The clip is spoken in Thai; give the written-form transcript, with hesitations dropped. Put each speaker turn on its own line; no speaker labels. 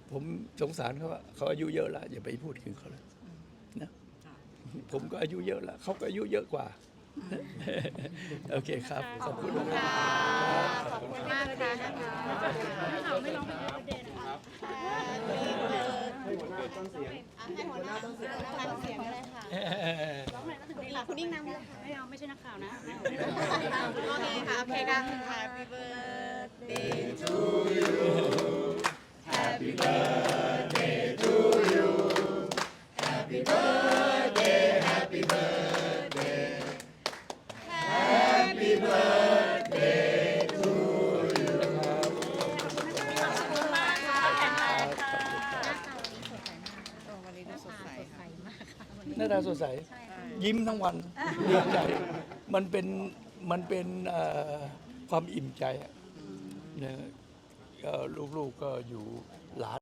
ผมสงสารเขาว่าเขาอายุเยอะแล้วอย่าไปพูดถึงเขาเลยนะผมก็อายุเยอะแล้วเขาก็อายุเยอะกว่าโอเคครับขอบคุณมาก
ขอบคุณมากค่ะนะคะไม่ร้องเพลงเดย์นะคะให้หัวหน้าต้นเสียงเลยค่ะคุณนิ่งนำเลยค่ะไม่เอาไม่ใช่นักข่าวนะโอเคค่ะโอเคค่ะ Happy birthday to you Happy birthday to you Happy birthday Happy birthday Happy birthday to you ขอบคุณมากค่ะแข็งแรงค่ะวันนี้ดูสดใสค่ะ
หน้าตาสดใสยิ้มทั้งวันดีใจมันเป็นความอิ่มใจนะก็ลูกๆก็อยู่หลาน